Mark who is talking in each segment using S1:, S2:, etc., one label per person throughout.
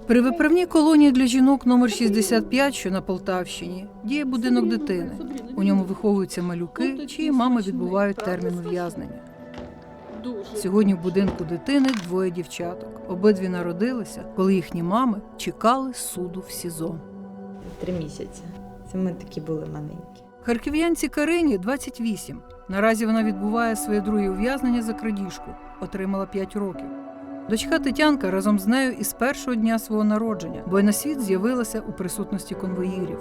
S1: При виправній колонії для жінок номер 65, що на Полтавщині, діє будинок дитини. У ньому виховуються малюки, чиї мами відбувають термін ув'язнення. Сьогодні в будинку дитини двоє дівчаток. Обидві народилися, коли їхні мами чекали суду в СІЗО.
S2: 3 місяці. Це ми такі були маленькі.
S1: Харків'янці Карині 28. Наразі вона відбуває своє друге ув'язнення за крадіжку. Отримала 5 років. Дочка Тетянка разом з нею із першого дня свого народження, бо й на світ з'явилася у присутності конвоїрів.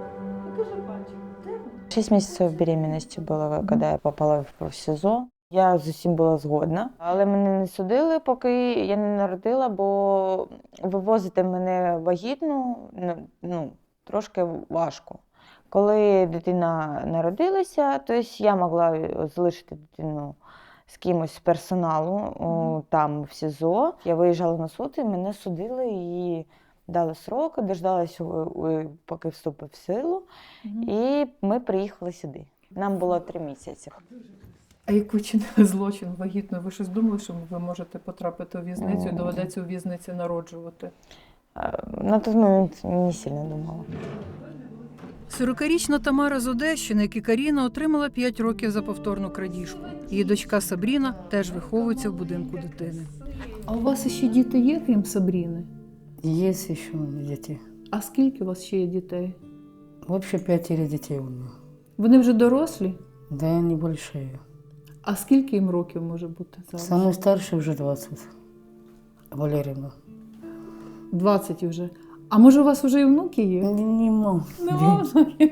S2: 6 місяців беременності було, коли я попала в СІЗО. Я з усім була згодна, але мене не судили, поки я не народила, бо вивозити мене вагітну трошки важко. Коли дитина народилася, то я могла залишити дитину з кимось з персоналу там в СІЗО. Я виїжджала на суд, і мене судили і дали срок, дождалася, поки вступив в силу, і ми приїхали сюди. Нам було 3 місяці.
S1: А як ви чинили злочин вагітною, ви щось думали, що ви можете потрапити у в'язницю і доведеться у в'язниці народжувати?
S2: На той момент не сильно думала.
S1: 40-річна Тамара з Одещини, як і Каріна, отримала 5 років за повторну крадіжку. Її дочка Сабріна теж виховується в будинку дитини. А у вас ще діти є, крім Сабріни?
S3: Есть еще дети.
S1: А скільки у вас ще є дітей?
S3: Вообще 5 детей у меня.
S1: Вони вже дорослі?
S3: Да, они большие.
S1: А скільки їм років може бути зараз?
S3: Самый старший уже 20. Валерьевна.
S1: 20 вже. А може у вас вже і внуки є?
S3: Не могу.
S1: Нема внуків?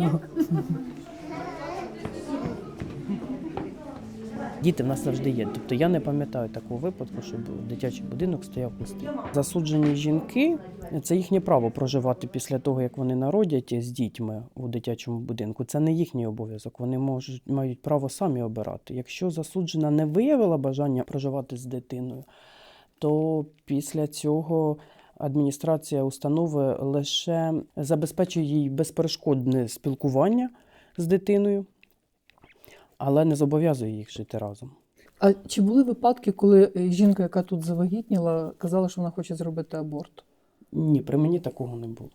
S4: Діти в нас завжди є. Тобто я не пам'ятаю такого випадку, щоб дитячий будинок стояв пустий. Засуджені жінки – це їхнє право проживати після того, як вони народять з дітьми у дитячому будинку. Це не їхній обов'язок. Вони мають право самі обирати. Якщо засуджена не виявила бажання проживати з дитиною, то після цього адміністрація установи лише забезпечує їй безперешкодне спілкування з дитиною, але не зобов'язує їх жити разом.
S1: А чи були випадки, коли жінка, яка тут завагітніла, казала, що вона хоче зробити аборт?
S4: Ні, при мені такого не було.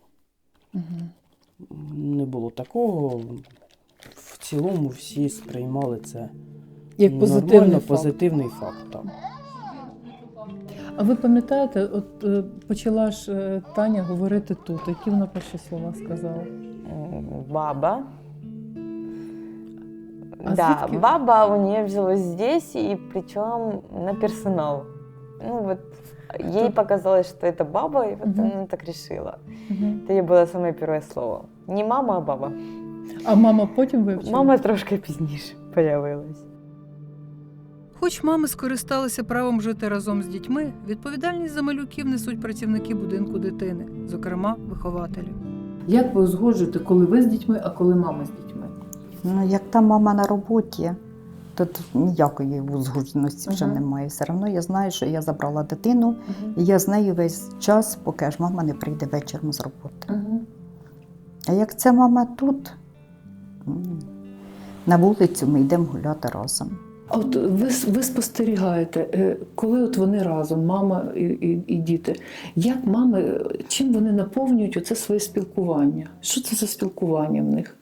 S4: Не було такого. В цілому всі сприймали це
S1: Як позитивний
S4: нормально,
S1: факт.
S4: позитивний факт. Так.
S1: А ви пам'ятаєте, от почала ж Таня говорити тут, які вона перші слова сказала?
S2: Баба.
S1: А
S2: Да,
S1: звідки?
S2: баба у нее взялась здесь, и причем на персонал. Ну вот, ей показалось, что это баба, и вот она так решила. Это ей было самое первое слово. Не мама, а баба.
S1: А мама потім вивчила?
S2: Мама трошки пізніше появилась.
S1: Хоч мами скористалися правом жити разом з дітьми, відповідальність за малюків несуть працівники будинку дитини, зокрема вихователі. Як ви узгоджуєте, коли ви з дітьми, а коли мама з дітьми?
S5: Ну, як та мама на роботі, то тут ніякої узгодженості вже немає. Все одно я знаю, що я забрала дитину, і я з нею весь час, поки аж мама не прийде вечором з роботи. А як ця мама тут, на вулицю ми йдемо гуляти разом.
S1: А от ви спостерігаєте, коли от вони разом, мама і діти, як мами, чим вони наповнюють оце своє спілкування? Що це за спілкування в них?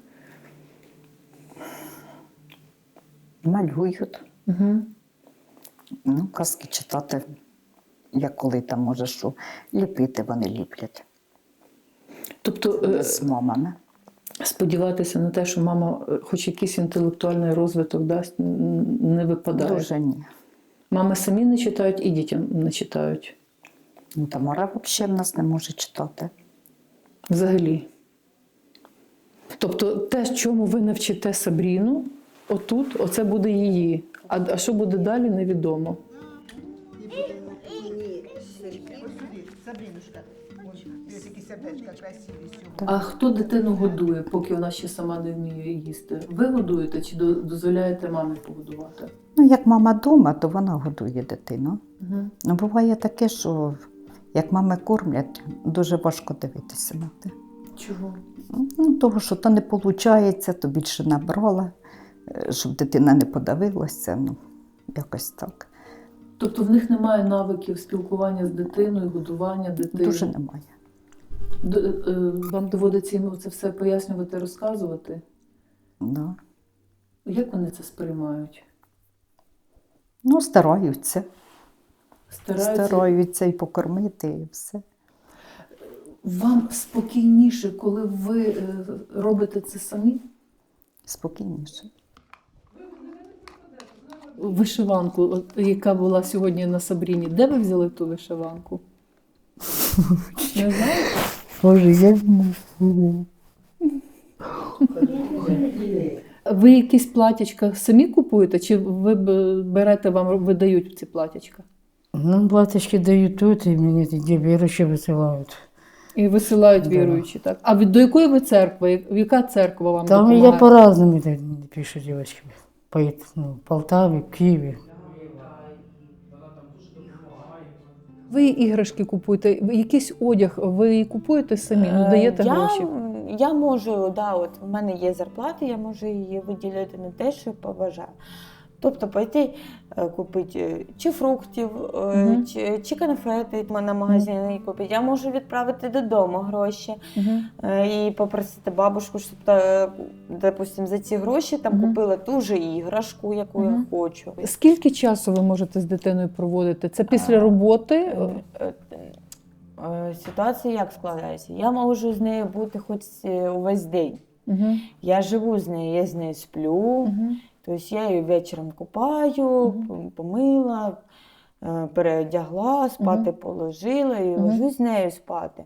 S5: Малюють, ну, казки читати, як коли там може що, ліпити вони ліплять
S1: Тобто
S5: з мамами.
S1: сподіватися на те, що мама хоч якийсь інтелектуальний розвиток дасть, не випадає?
S5: Дуже ні.
S1: Мами самі не читають і дітям не читають?
S5: Ну, Тамара взагалі в нас не може читати.
S1: Взагалі. Тобто те, чому ви навчите Сабріну, отут, оце буде її. А що буде далі, невідомо. А хто дитину годує, поки вона ще сама не вміє їсти? Ви годуєте чи дозволяєте мамі погодувати?
S5: Ну, як мама вдома, то вона годує дитину. Ну, буває таке, що як мами кормлять, дуже важко дивитися на те.
S1: Чого?
S5: Ну, того, що то не виходить, то більше набрала, щоб дитина не подавилася, ну, якось так.
S1: Тобто в них немає навиків спілкування з дитиною, годування дитини?
S5: Дуже немає.
S1: Вам доводиться їм це все пояснювати, розказувати?
S5: Да.
S1: Як вони це сприймають?
S5: Ну, стараються.
S1: Стараються?
S5: Стараються і покормити, і все.
S1: Вам спокійніше, коли ви робите це самі?
S5: Спокійніше.
S1: Вишиванку, яка була сьогодні на Сабріні, де ви взяли ту вишиванку? Не знаєте?
S3: Боже, я не знаю.
S1: Ви якісь платячка самі купуєте, чи ви берете, вам видають ці платячка?
S3: Нам платочки дают тут, и мне эти верующие высылают.
S1: І висилають
S3: Да.
S1: віруючі, так? А до якої ви церкви? Яка церква вам
S3: Там
S1: допомагає?
S3: я по-разному пишу девочки. В Полтаве, в Киеве.
S1: Ви іграшки купуєте, якийсь одяг ви купуєте самі, ну даєте гроші?
S2: Я можу, да, от в мене є зарплата, я можу її виділити на те, що побажаю. Тобто пойти купити чи фруктів, чи конфети на магазині купити. Я можу відправити додому гроші і попросити бабушку, щоб, допустим, за ці гроші там купила ту же іграшку, яку я хочу.
S1: Скільки часу ви можете з дитиною проводити? Це після роботи?
S2: Ситуація як складається? Я можу з нею бути хоч увесь день. Я живу з нею, я з нею сплю. Тобто я її вечором купаю, помила, переодягла, спати положила і ложу з нею спати.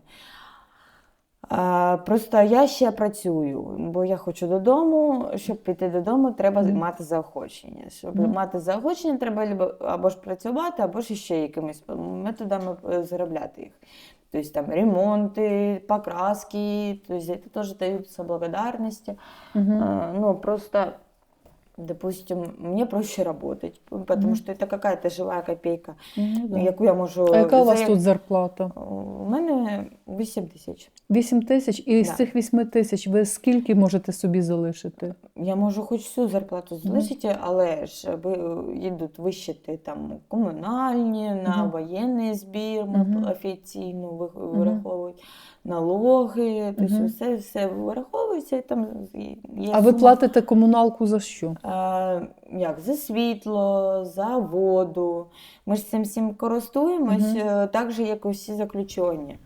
S2: Просто я ще працюю, бо я хочу додому. Щоб піти додому, треба мати заохочення. Щоб мати заохочення, треба або ж працювати, або ж ще якимись методами заробляти їх. Тобто там ремонти, покраски, тобто це теж даються благодарності. Ну, просто... Допустим, мне проще работать, потому что это какая-то живая копейка, яку я можу...
S1: А яка у вас тут зарплата?
S2: У мене 8 тисяч.
S1: 8 тисяч? І з цих 8 тисяч ви скільки можете собі залишити?
S2: Я можу хоч всю зарплату залишити, але ж йдуть вищити там комунальні, на воєнний збір офіційно вираховують, налоги, тобто все вираховується. І там є
S1: А ви платите комуналку за що?
S2: Як? За світло, за воду. Ми ж цим всім користуємось, так же, як і всі заключені.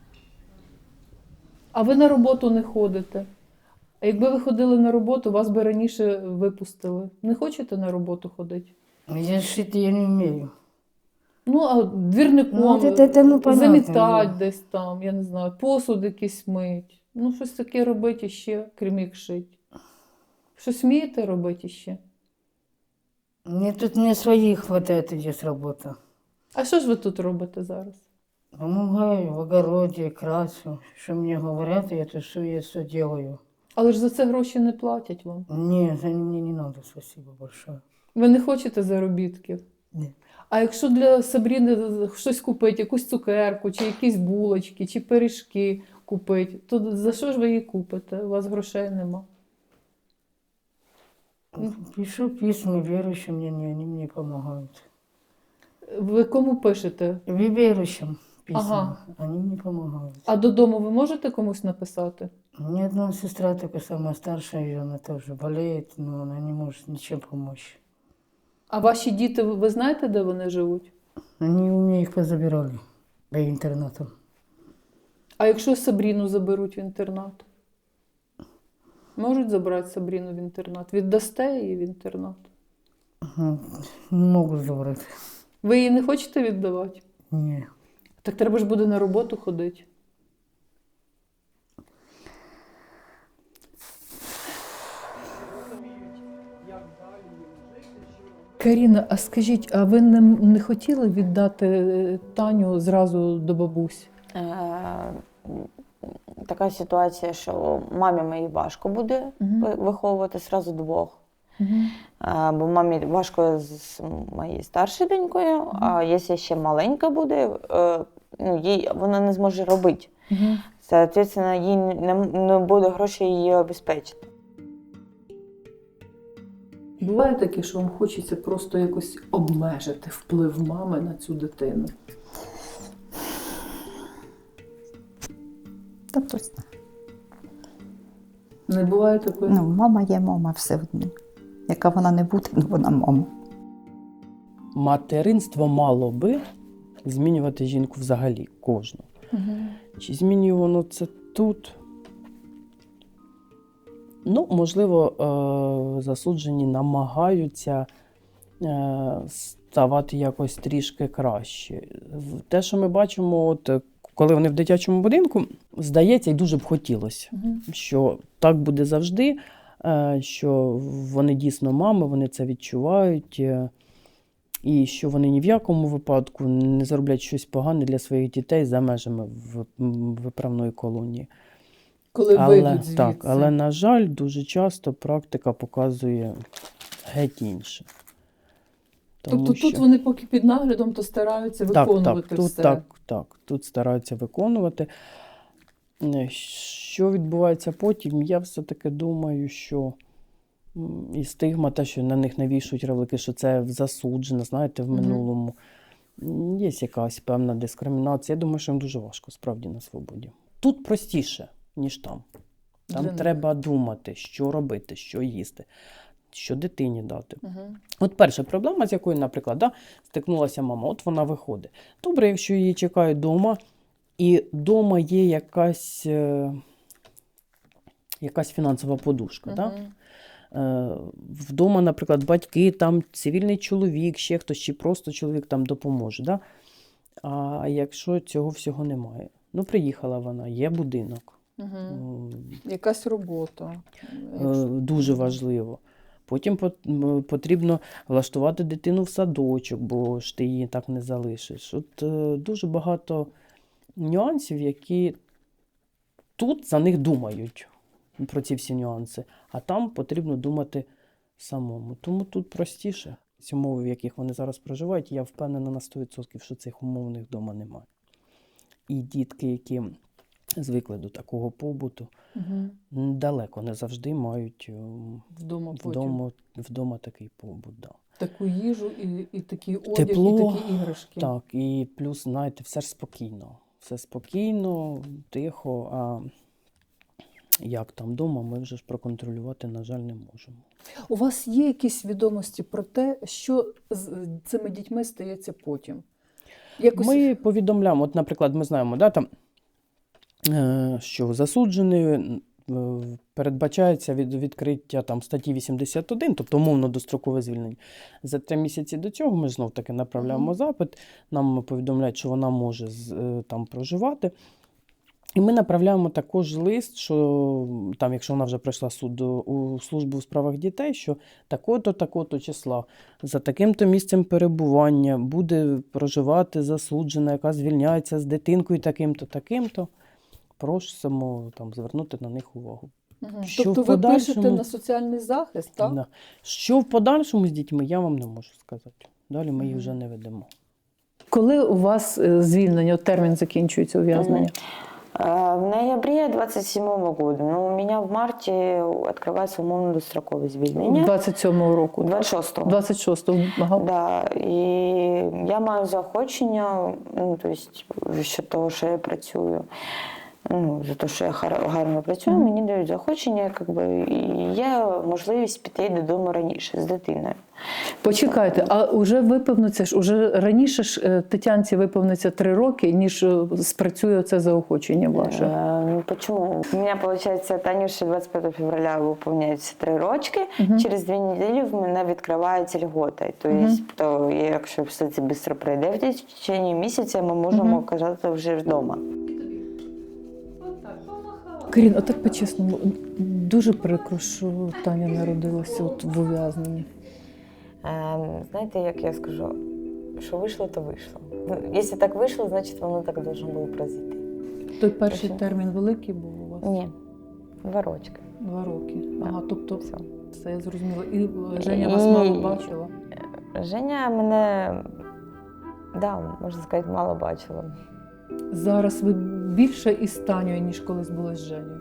S1: А ви на роботу не ходите? А якби ви ходили на роботу, вас би раніше випустили. Не хочете на роботу ходити?
S3: Я шить я не умею.
S1: Ну, а двірником
S3: Ну, понятно.
S1: замітать десь там, я не знаю, посуд якийсь мить. Ну, щось таке робити ще, крім як шить. Щось вмієте робити ще?
S3: Мне тут не своих хватает здесь работа.
S1: А що ж ви тут робите зараз?
S3: Помогаю в огороде, красу. Что мне говорят, я то все делаю.
S1: Але ж за це гроші не платять вам.
S3: Не, за мне не надо, спасибо большое.
S1: Ви не хочете заробітків?
S3: Ні.
S1: А якщо для Сабріни щось купити, якусь цукерку, чи якісь булочки, чи пиріжки купити, то за що ж ви її купите? У вас грошей нема.
S3: Пишу письма верующим, они мне помогают.
S1: Ви кому пишете?
S3: Верующим письма,
S1: Ага.
S3: они мне помогают.
S1: А додому ви можете комусь написати?
S3: У меня одна сестра, только самая старшая, она тоже болеет, но она не может ничем помочь.
S1: А ваші діти, ви знаєте, де вони живуть?
S3: Они у меня их позабирали по интернату.
S1: А якщо Сабріну заберуть в інтернат? Можуть забрати Сабріну в інтернат? Віддасте її в інтернат?
S3: Не могут забрать.
S1: Ви її не хочете віддавати?
S3: Не.
S1: Так треба ж буде на роботу ходити. Каріна, а скажіть, а ви не хотіли віддати Таню зразу до бабусь?
S2: Така ситуація, що мамі моїй важко буде виховувати зразу двох. Бо мамі важко з моєю старшою донькою, а якщо ще маленька буде, вона не зможе робити. Соответственно, їй не буде грошей її обезпечити.
S1: Буває таке, що вам хочеться просто якось обмежити вплив мами на цю дитину?
S5: Та точно.
S1: Не буває такої?
S5: Ну, мама є мама все одно. Яка вона не буде, ну вона мама.
S4: Материнство мало би змінювати жінку взагалі, кожну. Чи змінює воно це тут? Ну, можливо, засуджені намагаються ставати якось трішки краще. Те, що ми бачимо, от, коли вони в дитячому будинку, здається, і дуже б хотілося, що так буде завжди, що вони дійсно мами, вони це відчувають, і що вони ні в якому випадку не зроблять щось погане для своїх дітей за межами виправної колонії.
S1: Коли вийдуть звідси.
S4: Так, але, на жаль, дуже часто практика показує геть інше.
S1: Тобто тут вони поки під наглядом, то стараються виконувати все.
S4: Тут стараються виконувати. Що відбувається потім, я все-таки думаю, що і стигма, те, що на них навішують ярлики, що це засуджено, знаєте, в минулому. Є якась певна дискримінація. Я думаю, що їм дуже важко, справді, на свободі. Тут простіше, ніж там. Там треба думати, що робити, що їсти, що дитині дати. От перша проблема, з якою, наприклад, стикнулася мама, от вона виходить. Добре, якщо її чекають вдома, і вдома є якась фінансова подушка. Вдома, наприклад, батьки, там цивільний чоловік, ще хтось, чи просто чоловік там допоможе. А якщо цього всього немає? Ну, приїхала вона, є будинок.
S1: Якась робота.
S4: Дуже важливо. Потім потрібно влаштувати дитину в садочок, бо ж ти її так не залишиш. От дуже багато нюансів, які тут за них думають, про ці всі нюанси, а там потрібно думати самому. Тому тут простіше. Ці умови, в яких вони зараз проживають, я впевнена на 100%, що цих умов у них вдома немає. І дітки, які звикли до такого побуту, далеко не завжди мають вдома такий побут. Да.
S1: Таку їжу і такий одяг,
S4: тепло,
S1: і такі іграшки.
S4: Так, і плюс, знаєте, все ж спокійно. Все спокійно, тихо, а як там вдома, ми вже ж проконтролювати, на жаль, не можемо.
S1: У вас є якісь відомості про те, що з цими дітьми стається потім?
S4: Ми повідомляємо, от, наприклад, ми знаємо, що засуджений передбачається відкриття статті 81, тобто умовно дострокове звільнення. За 3 місяці до цього ми знов-таки направляємо запит, нам повідомляють, що вона може там проживати. І ми направляємо також лист, що там, якщо вона вже пройшла у службу у справах дітей, що такого-то числа за таким-то місцем перебування буде проживати засуджена, яка звільняється з дитинкою таким-то. Просимо звернути на них увагу.
S1: Тобто ви пишете на соціальний захист, так?
S4: Да. Що в подальшому з дітьми, я вам не можу сказати. Далі ми їх вже не ведемо.
S1: Коли у вас звільнення, термін закінчується ув'язнення?
S2: В ноябре 27-го года. Но у меня в марте открывается умовно-достроковое звільнення.
S1: 27-го року?
S2: 26-го.
S1: 26-го, ага.
S2: Да, і я маю заохочення, що того, що я працюю. За те, що я гарно працюю, мені дають заохочення, і є можливість піти додому раніше з дитиною.
S1: Почекайте, а вже виповниться уже раніше ж Тетянці виповниться 3 роки, ніж спрацює це заохочення ваше?
S2: Почему? У меня, получается, Танюше 25 февраля выполняется 3 рочки, через 2 недели в мене відкривається льгота. Тобто, якщо все це швидко пройде, в течение місяця ми можемо оказатися вже вдома.
S1: Карін, отак по-чесному, дуже прикро, що Таня народилася в ув'язненні.
S2: Знаєте, як я скажу, що вийшло, то вийшло. Якщо так вийшло, значить воно так должно було пройти.
S1: Той перший термін великий був у вас?
S2: Ні, 2 рочки.
S1: 2 роки. Ага, тобто все я зрозуміла. І Женя вас мало бачила?
S2: Женя мене, можна сказати, мало бачила.
S1: Зараз ви більше із Танею, ніж колись були з Женєю?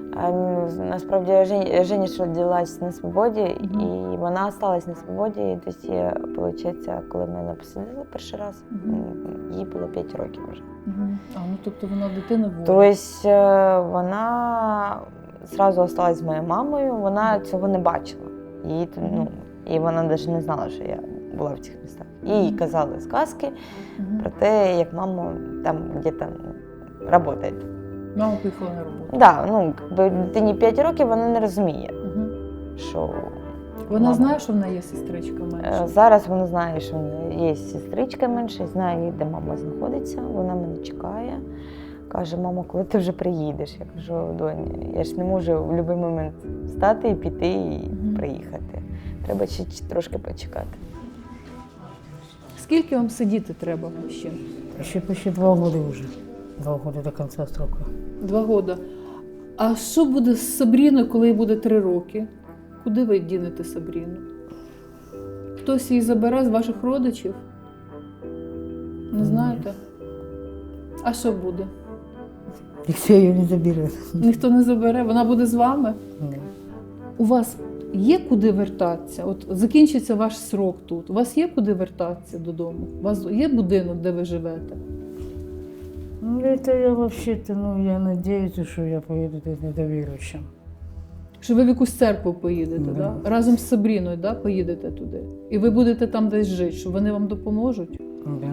S2: А, насправді Женя ж родилась на свободі, і вона осталась на свободі. І десь, виходить, коли ми її посадили перший раз, їй було 5 років вже.
S1: А, ну тобто вона дитина воля.
S2: Тобто вона одразу залишилась з моєю мамою, вона цього не бачила. І вона навіть не знала, що я була в цих містах. Їй казали сказки про те, як мама там десь працює.
S1: Мама поїхала на роботу.
S2: Так, дитині 5 років, вона не розуміє, що
S1: Вона
S2: мама.
S1: знає, що в неї є сестричка менша?
S2: Зараз вона знає, що в неї є сестричка менша, знає, де мама знаходиться, вона мене чекає. Каже, мамо, коли ти вже приїдеш? Я кажу, донь, я ж не можу в будь-який момент встати і піти і приїхати. Треба ще трошки почекати.
S1: Скільки вам сидіти треба ще?
S3: Еще почти 2 года уже. 2 года до конца срока.
S1: 2 роки. А що буде з Сабріною, коли їй буде 3 роки? Куди ви дінете Сабріну? Хтось її забере з ваших родичів? Не знаєте? А що буде?
S3: Никто ее не заберет.
S1: Ніхто не забере, вона буде з вами?
S3: Нет.
S1: У вас є куди вертатися? От закінчиться ваш срок тут. У вас є куди вертатися додому? У вас є будинок, де ви живете?
S3: Ну, это я вообще-то, я надеюсь, что я поеду тут недоверующим.
S1: Що ви в якусь церкву поїдете,
S3: Да.
S1: да? Разом з Сабріною, да, поїдете туди? І ви будете там десь жити, що вони вам допоможуть?
S3: Да.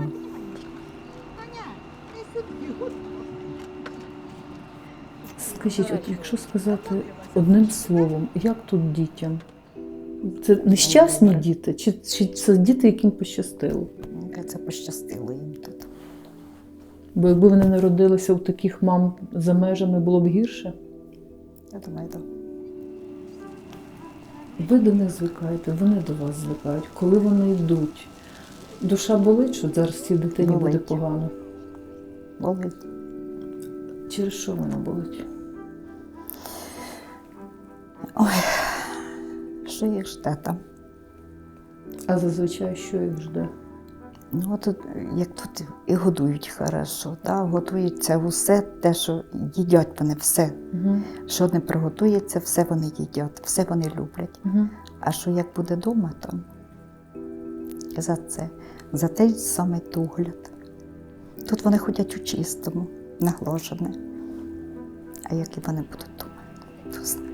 S1: Скажіть, от якщо сказати одним словом, як тут дітям? Це нещасні діти? Чи це діти, яким пощастило?
S5: Це пощастило їм тут.
S1: Бо якби вони народилися у таких мам за межами, було б гірше?
S5: Я думаю, так.
S1: Ви до них звикаєте, вони до вас звикають. Коли вони йдуть, душа болить, що зараз цій дитині буде
S5: Болить.
S1: погано?
S5: Болить.
S1: Через що вона болить?
S5: Ой, що їх жде там?
S1: А зазвичай що їх жде?
S5: Ну, от як тут і годують хорошо, готується усе те, що їдять вони все.
S1: Угу.
S5: Що не приготується, все вони їдять, все вони люблять.
S1: Угу.
S5: А що як буде вдома, то за той самий догляд. Тут вони ходять у чистому, наглажене. А які вони будуть вдома, то знає.